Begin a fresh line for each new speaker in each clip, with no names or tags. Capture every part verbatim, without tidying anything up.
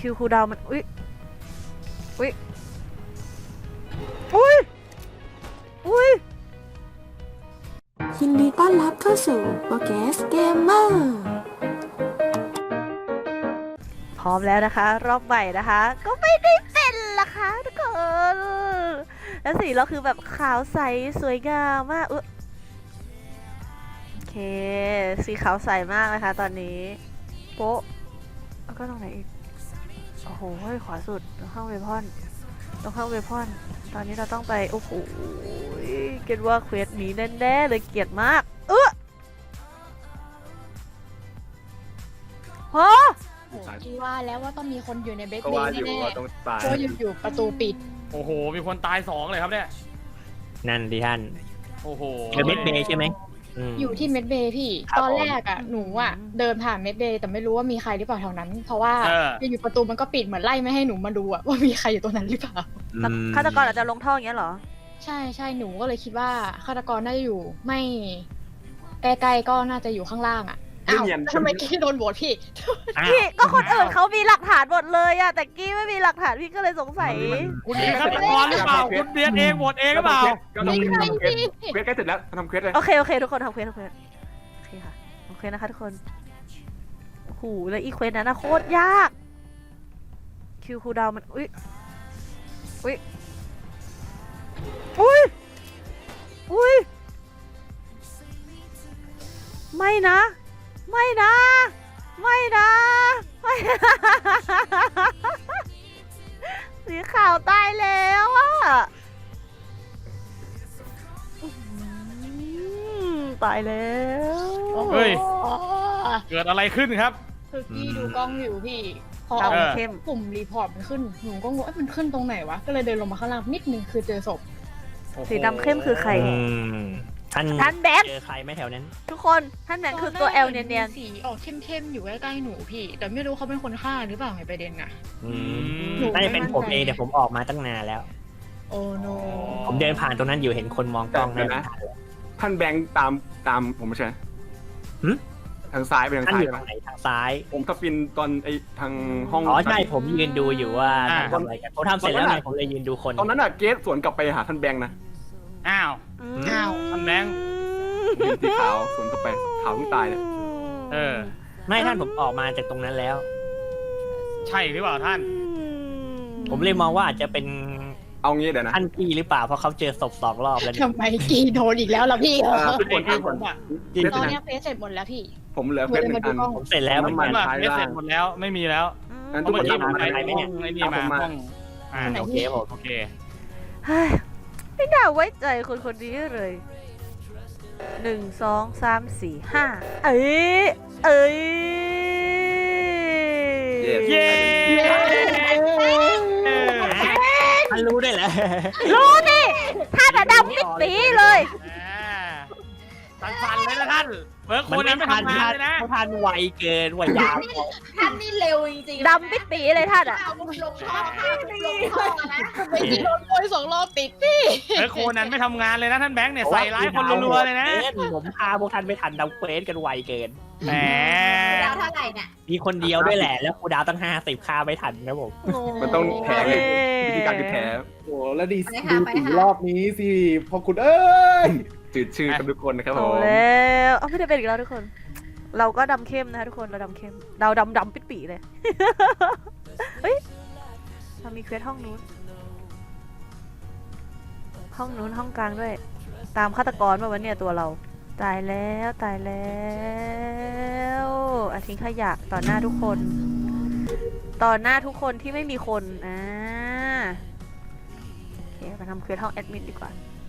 คิวคูลดาวน์มันอุ้ยอุ้ยอุ้ยอุ้ย
ยินดีต้อนรับเข้าสู่โปรแกสเกมเมอร์
พร้อมแล้วนะคะรอบใหม่นะคะก็ไม่ได้เป็นละคะทุกคนแล้วสีเราคือแบบขาวใสสวยงามมากอุ๊ยโอเคสีขาวใสมากนะคะตอนนี้โป๊ะแล้วก็ตรงไหนอีกโอ้โหขวาสุดตรงข้างเวพอนตรงข้างเวพอนตอนนี้เราต้องไปโอ้โหเกลียดว่าเควสนี้แน่ๆเลยเกลียดมากเออฮะ
คิดว่าแล้วว่าต้องมีคนอยู่ในเบส
ก็
เบ
ว่า
ย์
อยู่
แน่
ว่าต้องตาย
ๆเพราะอยู่ๆประตูปิด
โอ้โห มีคนตายสองเลยครับเนี่ย
นั่นดิท่าน
โอ้โห
เดอะเมดเบย์ใช่ไหมม
อยู่ที่เมดเบย์พี่
ครับ
ตอนแรกอ่ะหนูอ่ะเดินผ่านเมดเบย์แต่ไม่รู้ว่ามีใครหรือเปล่าแถวนั้น เพราะว่า
เออ
อยู่ๆประตูมันก็ปิดเหมือนไล่ไม่ให้หนูมาดูอ่ะว่ามีใครอยู่ตรงนั้นหรือเปล่า
อืม
ฆาตกรอาจจะลงท่ออย่างเงี้ยเหรอ
ใช่ใช่หนูก็เลยคิดว่าฆาตกรน่าจะอยู่ไม่ใกล้ๆก็น่าจะอยู่ข้างล่างอ่ะอ้าวทำไมกี้โดนโหวตพี่
อ้าว
พี่ก็คนอื่นเขามีหลักฐานหมดเลยอะแต่กี้ไม่มีหลักฐานพี่ก็เลยสงสัย
คุณเป็นฆาตกรหรือเปล่า คุณเบียดเองโหวตเองหรือเปล่า
ก็ทำเควสทำเควสเควสใกล้เสร็จแล้วทำเควสเลย
โอเคโอเคทุกคนทำเควสทำเควสโอเคค่ะโอเคนะคะทุกคนโอ้โหแล้วอีเควสนั้นนะโคตรยากคิวคูลดาวน์มันอุ้ยอุ้ยอุ้ยอุ้ยไม่นะไม่นะไม่นะไม่นะสีขาวตายแล้วอะอืมตายแล้ว
เฮ้ย เกิดอะไรขึ้นครับ
คือพี่ดูกล้องอยู่พี่พอ
ดำ
เอา
เข้ม
ปุ่มรีพอร์ตมันขึ้นหนูก็งงเอ้ยมันขึ้นตรงไหนวะก็เลยเดินลงมาข้างล่างนิดนึงคือเจอศพ
สีดำเข้มคือใคร
อืมท่าน
ท่านแบงค์
เจอใครไหมแถวนั้น
ทุกคนท่านแบงค์คือตัวแอลเนียน
สีออกเข้มๆอยู่ใกล้ๆหนูพี่ แต่ไม่รู้เขาเป็นคนฆ่าหรือเปล่าไงประเด็นน่ะ
อืม
หนู
น่าจะเป็น
ไม่มั่น
ผม
ใจ
เองแต่ผมออกมาตั้งนานแล้ว
โอ้โน
ผมเดินผ่านตรงนั้นอยู่เห็นคนมองกล้อง
เดี๋ยว
นะ
นะท่านแบงค์ตามตามผมไม่ใช่
หึ
ทางซ้ายไปทาง
ท่าน
ซ้า
อย ยู่
ไหม
ทางไหนทางซ้าย
ผมสปินตอนไอทางห้อง
อ๋อใช่ผมยืนดูอยู่ว่า
อ่า
ท่านทำอะไรกันผมทำเสร็จแล้วไงผมเลยยืนดูคน
ตอนนั้นอะเกสสวนกลับไปหาท่านแบงค์นะ
อ้าว
ๆ
อ้าว
ท่านแบงค์
ยืนสีขาวสวนกลับไปขาวเพิ่งตายเนี่ย
เออ
ไม่ท่านผมออกมาจากตรงนั้นแล้ว
ใช่หรือเปล่าท่าน
ผมเลยมองว่าอาจจะเป็น
เอางี้เดี๋ยวนะ
ท่านกี้หรือเปล่าเพราะเขาเจอศพสองรอบแล้วเนี่ย
ทำไมกีโดนอีกแล้วล่ะพี่
อ่าทุกคน
เอ
ทุ
ง
กคน
ผมอะ
ยืน
ต
ดู
อนเนี้ยเฟซเสร็จหมดแล้วพี่
ผมเหลือเควสหนึ่งอัน
ผมเสร็จแล้วเหมือน
น้ำมั
กัน น
น
ว่าเอสเสร็จหมดแล้ว ไม่มีแล้ว
งั้น
เพ
ทุก
ราะ
ค
เมื่อน กี้
ตาม
ผม
มา
ไป
ไปไหมเนี่ย
ไอ้นี่มา
ตามผมมา
ห้องอ่า
ไหน
โอเคผม
โอเค
เฮ้ยไม่น่าไว้ใจคนคนนี้เลยหนึ่งสองสามสี่ห้าเอ้ยเอ้ย
Yes
เย้
ท่านรู้ได้แหละ
รู้ดิท่านอะดำปิดปีเลย
สั่นสั่นๆเลยนะท่านเบิร์กคนนั้นไม่ทำงานเลยนะ
เขาทานไวเกินไวยาว
ท่านนี่เร็วจริงๆ
ดำปิดปีเลยท่านอะ
เอาลงท่อค่ะลงท่อนะ
ทำไมกีโดนโวยสองรอบติดพี่
เบิร์กคนนั้นไม่ทำงานเลยนะท่านแบงค์เนี่ยใส่ร้ายคนรัวๆเลยนะ
ผมพาพวกท่านไม่ทันดาวเควสกันไวเกิน
แหม
ดาวเท่าไหร่เนี่ย
มีคนเดียวด้วยแหละ แล้วครูดาวตั้งห้าสิบค่าไม่ทันนะผม
มันต้องแพ้ไงวิธีการคือแพ้
โอ้แล้วดี
ไป
ดู
หาไป
สี
หาร
อบนี้สิพอคุณเอ้ย
จืดชื่อกันทุกคนนะครับผ
เอา
ม
แล้วเอาไม่ได้เป็นอีกแล้วทุกคน เราก็ดำเข้มนะคะทุกคนเราดำเข้มเราดำดำปิดปีเลย เฮ้ยเรามีเควสห้องนู้น ห้องนู้นห้องกลางด้วย ตามฆาตกรมาวันเนี่ยตัวเราตายแล้วตายแล้วอาทิ้งขยะต่อหน้าทุกคน ต่อหน้าทุกคนที่ไม่มีคนอ่าโอเคมาทำเควสห้องแอดมินดีกว่า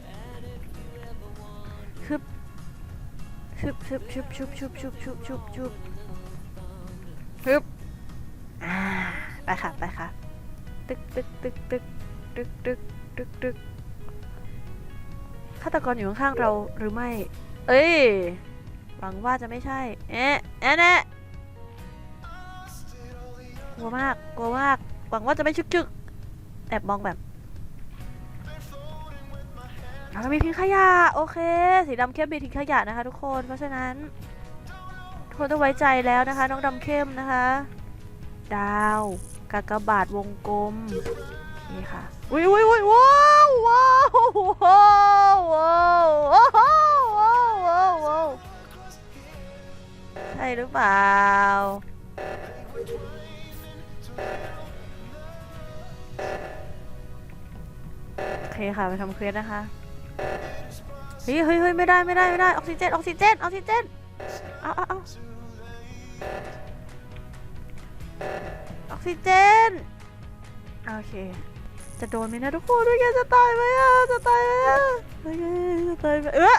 ชุบชุบชุบชุบชุบชุบชุบชุบชุบชุบชุบอ่าไปค่ะไปค่ะตึกตึกตึกตึกตึกตึกตึกตึกฆาตกรอยู่ข้างๆเราหรือไม่เอ้ยหวังว่าจะไม่ใช่เอ๊ะเอ๊ะเน่กลัวมากกลัวมากหวังว่าจะไม่ชึกชึกแอบมองแบบเรามีทิ้งขยะโอเคสีดำเข้มมีทิ้งขยะนะคะทุกคนเพราะฉะนั้นทุกคนต้องไว้ใจแล้วนะคะน้องดำเข้มนะคะดาวกากบาทวงกลมโอเคค่ะอุ้ยอุ้ยอุ้ยว้าวว้าวว้าวว้าวว้าวว้าวว้าวว้าวใช่หรือเปล่าโอเคค่ะไปทำเควสนะคะเฮ้ยเฮ้ยเฮ้ยไม่ได้ไม่ได้ไม่ได้ออกซิเจนออกซิเจนออกซิเจนเอาเอาเอาออกซิเจนโอเคจะโดนไหมนะทุกคนด้วยกันจะตายไหมอ่ะจะตายไหมอ่ะโอเคจะตายไหมเออ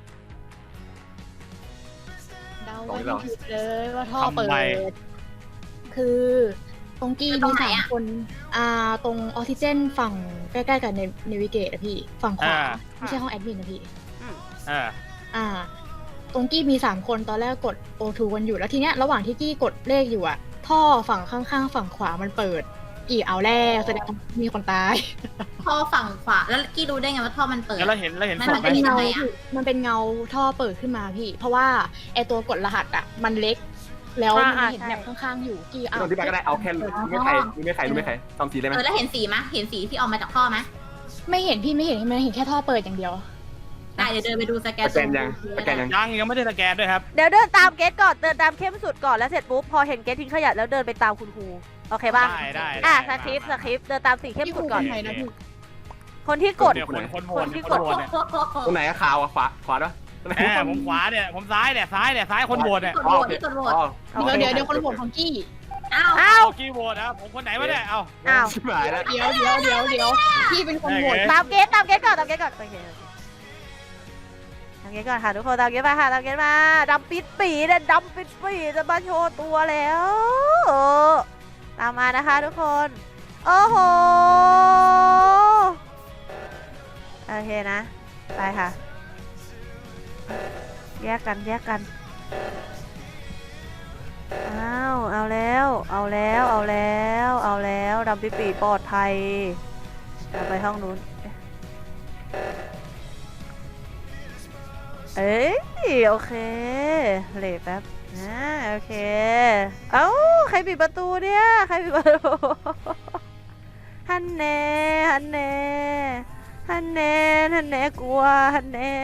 เดาไว้ไม่ผิดเลยว่าท่อเปิ
ทำไม
ด คือตรงกี้
ตร
มี
งไหน
สาม
อะ
คน อ่า ตรงออกซิเจนฝั่งใกล้ๆกับเนวิเกตอะพี่ ฝั่งขวา
อ่า
ไม่ใช่ห้องแอดมินนะพี่
เออ
อ่า ตรงกี้มีสามคนตอนแรกกด โอ ทู กันอยู่แล้วทีเนี้ยระหว่างที่กี้กดเลขอยู่อะท่อฝั่งข้างๆ ฝั่งขวามันเปิด กี่เอาแล้วแสดงว่ามีคนตาย
ท่อฝั่งขวาแล้วกี้รู้ได้ไงว่าท่อมันเปิด
แล้วเราเห็นเราเห็น
มัน
ศ
มั
พ
น
ไหม
เป็น
เงา
ยังไงอะ
พี่มันเป็นเงาท่อเปิดขึ้นมาพี่ เพราะว่าไอตัวกดรหัสอะมันเล็ก แล้วมัน
อ่า
เห็น
ใช่
แบบข้างๆอยู่กี่เอา
ตอนที่ไปก็ได้เอาแค่รู้ไม่ใครรู้ไม่ใครรู้ไม่ใครตอมสีได้ไหม
เออแล้วเห็นสีมะเห็นสีที่ออกมาจากท่อมะ
ไม่เห็นพี่ไม่เห็นมันเห็นแค่ท่อเปิดอย่างเดียว
ได้เดี๋ยวเดินไปดูสแกน
สแกนยังสแกนยัง
ยังยังไม่ได้สแกนด้วยครับ
เดี๋ยวเดินตามเกตก่อนเดินตามเข้มสุดก่อนแล้วเสร็จปุ๊บพอเห็นเกตทิ้งขยะแล้วเดินไปตามคุณครูโอเคป่ะ
ได้ได้
อ่ะ
ได้
สคริปต์ส
มา
คริปต์เดินตามสีเข้มสุดก่อน
พี่ครูคนไหนนะพี่
คนที่กด
เนี่ยคนคนโหว
ค
ต
นที่
คน
กด
โหวตเนี่ย
ตรงไหนอะขาวอะขวาขวาด้วย
แหมผมขวาเนี่ยผมซ้ายเนี่ยซ้ายเนี่ยซ้ายคนโหวตเนี่ย
กดโหวตที่กดโหวต
อ๋อ
เดี๋ยวเดี๋ยวเดี๋ยวคนโหวตของกี้
อ้าว
อ้าว
เอากี่โหวตนะผมคนไหนวะเนี่ยเอา
อ้าว
ชิบหายแล้ว
เดี๋ยวเดี๋ยวเดี๋ยวเดี๋ยวพี่เป็นคนโหวต
ตามเกตตามเกตก่อนตามเกตก่อนโอเคตามเกตก่อนค่ะทุกคนตามเกตมาค่ะตามเกตมาดำปิดปีเนี่ยดำปิดปีจะมาโชว์ตัวแล้วเออตามมานะคะทุกคนโอ้โหโอเคนะไปค่ะแยกกันแยกกันอ้าวเอาแล้วเอาแล้วเอาแล้วเอาแล้วดำปิดปีปลอดภัยเอาไปห้องนู้นเอ้ยโอเคเลทแป๊บนะโอเคเอ้าใครปิดประตูเนี่ยใครปิดประตูฮันแน่ฮันแน่ฮันแน่ฮันแน่กลัวฮันแน่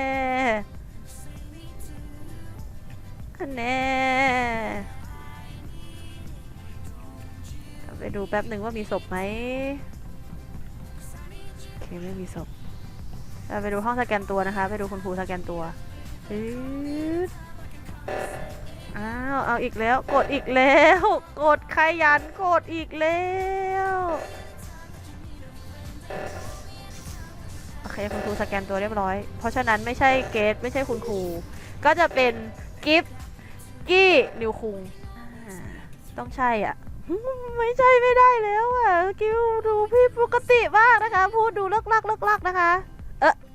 ฮันแน่ไปดูแป๊บหนึ่งว่ามีศพไหมโอเคไม่มีศพเราไปดูห้องสแกนตัวนะคะไปดูคุณครูสแกนตัวอืดอ้าวเอาอีกแล้วกดอีกแล้วกดขยันกดอีกแล้วโอเคคุณครูสแกนตัวเรียบร้อยเพราะฉะนั้นไม่ใช่เกตไม่ใช่คุณครูก็จะเป็นกิฟกี้นิวคุงอ่าต้องใช่อ่ะ ไม่ใช่ไม่ได้แล้วอ่ะกิวดูพี่ปกติมากนะคะพูดดูเลิกลักเลิกลักนะคะเออ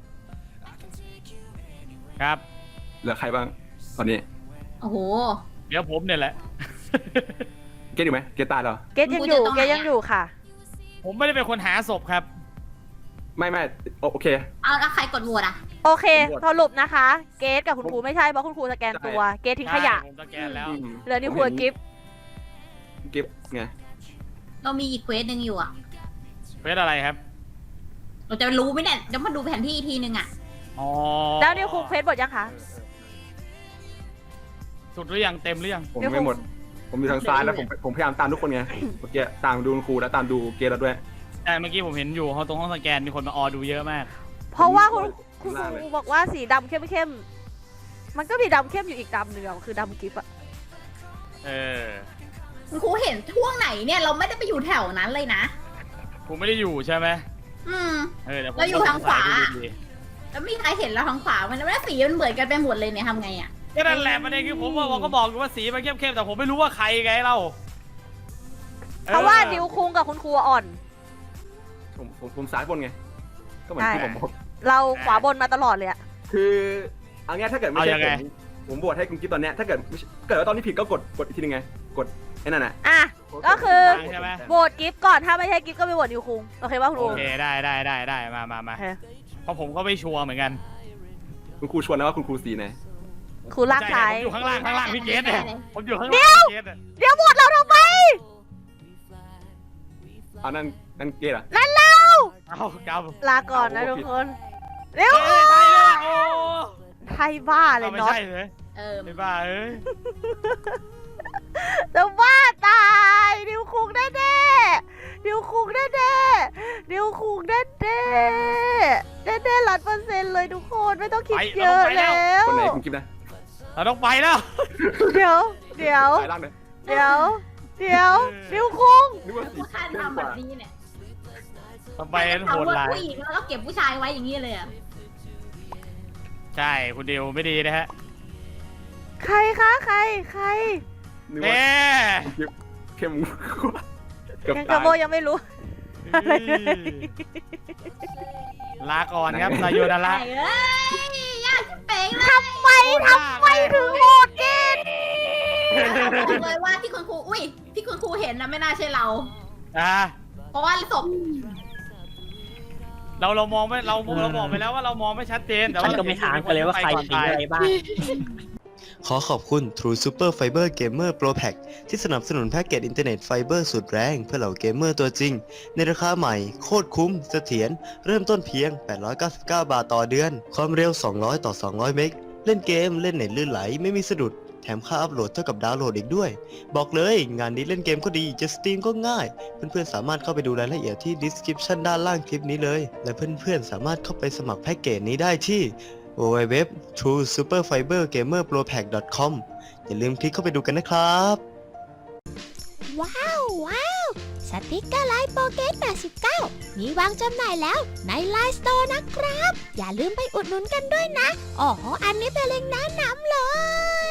ครับ
เหลือใครบ้างตอนนี้
โอ้โห
เดี๋ยวผมเนี่ยแหละ
เกตอยู่ไหมเกตตายเหรอ
เกตยังอยู่เกตยังอยู่ค่ะ
ผมไม่ได้เป็นคนหาศพครับ
ไม่ไม่โอเค
เอาแล้วใครกดโหวตอะ
โอเค
ผมบวช
สรุปนะคะ เกตกับคุณครูไม่ใช่เพราะคุณครูสแกนตัวเกตทิ้งขยะ
ใช่ผมสแกนแล้ว
อืม
เหลือนิวครูกับกิฟ
กิฟไง
เรามีอีกเควสหนึ่งอยู่อะ
เควสอะไรครับ
เราจะรู้ไหมเนี่ยเดี๋ยวมาดูแผนที่อีกทีนึงอะ
อ๋อ
แล้วนิวครูเควสหมดยังคะ
สุดหรือยังเต็มหรือยัง
ผมไม่หมด ผมอยู่ทางซ้ายแล้วผมผมพยายามตามทุกคนไงเมื่อกี้ตามดูคุณครูแล้วตามดูเกตแล้วด้วย
แต่เมื่อกี้ผมเห็นอยู่ห้องตรงห้องสแกนมีคนมาออดูเยอะมาก
เพราะว่าคุณ
ผม
คุณ
ล่าง
ค
เลย
รูบอกว่าสีดำเข้มๆมันก็มีดำเข้มอยู่อีกดำหนึ่งอะคือดำกิฟอะ
เออ
คุณครูเห็นช่วงไหนเนี่ยเราไม่ได้ไปอยู่แถวนั้นเลยนะ
ผมไม่ได้อยู่ใช่ไหม
อืม
เออเดี๋ยวผม
แล้วอยู่ทางขวา
ดูดี
แล้วมีใครเห็นเราทางขวามันแล้วสีมันเหมือนกันไปหมดเลยเนี่ยทำไงอะ
ๆก็นั่นแหละประเด็นคือผมว่าผมก็บอกอยู่ว่าสีมันเข้มๆแต่ผมไม่รู้ว่าใครไงเราออ
เพราะว่านิวคุงกับคุณครูอ่อน
ผมผมผมซ้ายบนไง ก็เหมือนที่ผมบอก
เราขวาบนมาตลอดเลยอะ
คือเอางี้ถ้าเกิดไม่ใช่ผมผมบวชให้คุณกิฟตอนเนี้ยถ้าเกิดไม่ใช่เกิดว่าตอนนี้ผิดก็กดกดอีกทีนึงไง กดไอ้นั่นน่ะ
อ่ะ ก็คือ
ใช่ไหม
โหวตกิฟก่อนถ้าไม่ใช่กิฟก็ไปโหวตนิวคุงโอเคป่ะคุณค
โอ
รู
เคได้ได้ได้ได้มามามา
โอเค
เพราะผมก็ไม่ชัวร์เหมือนกัน
คุณครูชวนแล้วว่าคุณครูสีไหน
ครูลากซ้าย
ผมอยู่ข้างล่างข้างล่างพี่เกสเนี่ยผมอยู่ข้างล่างพี่เกสเนี่ย
เดี๋ยวโหวตเราทำไม
เอานั่นนั่นเกย์เหรอ
นั่นเรา
เอาก
ลาก่อนนะ
เอา
ทุก
ผิด
คนเร็ว
ำเฮ้ยใช่เลยโอ้
ไทยบ้าเลย
ไม่
น็อต
ใช่เลย
เออ
ไม่บ้าเอ้ย
จะบ้าตายดิวคุกแน่แน่ๆดิวคุกแน่แน่ๆดิวคุกแน่แน่แน่แน่ร้อยเปอร์เซ็นต์เลยทุกคนไม่ต้องคิดเยอะแล้ว
คนไหนคุณกิ๊บนะ
เราต้องไปแล้ว
เดี๋ยวเดี๋ยว
สายล่างเลย
เดี๋ยวเดี๋ยวดิวคุง
นึกว่าสี
ผู้ชายทำแบบนี้เนี่ย
ต้องไปโห
เอา
ด
ว่า
ร้าย
ผู้หญิงแล้วก็เก็บผู้ชายไว้อย่างนี้เลยอ่ะ
ใช่คุณดิวไม่ดีนะฮะ
ใครคะใครใคร
นึก
เน่
ว่าคุณกิ๊บเข้มกว่าเกือบ
ยังก
ตา
ระ
ย
โบยังไม่รู้ อะไรเลย
ลาก่อนครับซาโยนาระ
ไอ้เอ้ยยากชิบเป๋งเลย
ทำไมทำไมถึงโหดเกิน
บอกเลยว่าที่คุณครูอุ้ยที่คุณครูเห็นนะไม่น่าใช่เรา
อ่ะ
เพราะว่าศพ
เราเรามองไม่เราเราบอกไปแล้วว่าเรามองไม่ชัดเจนแต่
ฉั
ว่าน
ก็ไม่ถามกันเลยว่าใครทิ้งอะไรบ้าง
ขอขอบคุณ True Super Fiber Gamer Pro Pack ที่สนับสนุนแพ็กเกจอินเทอร์เน็ตไฟเบอร์สุดแรงเพื่อเหล่าเกมเมอร์ตัวจริง ในราคาใหม่ โคตรคุ้มเสถียรเริ่มต้นเพียง แปดร้อยเก้าสิบเก้า บาทต่อเดือน ความเร็ว สองร้อย ต่อ สองร้อย เมกะเล่นเกมเล่นเน็ตลื่นไหลไม่มีสะดุด แถมค่าอัพโหลดเท่ากับดาวน์โหลดอีกด้วย บอกเลยงานนี้เล่นเกมก็ดีจะสตรีมก็ง่าย เพื่อนๆสามารถเข้าไปดูรายละเอียดที่ description ด้านล่างคลิปนี้เลย และเพื่อนๆสามารถเข้าไปสมัครแพ็กเกจนี้ได้ที่ ดับเบิลยู ดับเบิลยู ดับเบิลยู ดอท ทรู ซูเปอร์ ไฟเบอร์ เกมเมอร์ โปร แพ็ก ดอท คอม อย่าลืมคลิกเข้าไปดูกันนะครับ
ว้าว ว้าว สติกเกอร์ไลน์โปเกตแปดสิบเก้ามีวางจำหน่ายแล้วในไลน์สโตร์นะครับ อย่าลืมไปอุดหนุนกันด้วยนะ อ๋อ อันนี้เป็นเล็งก์แนะนำเลย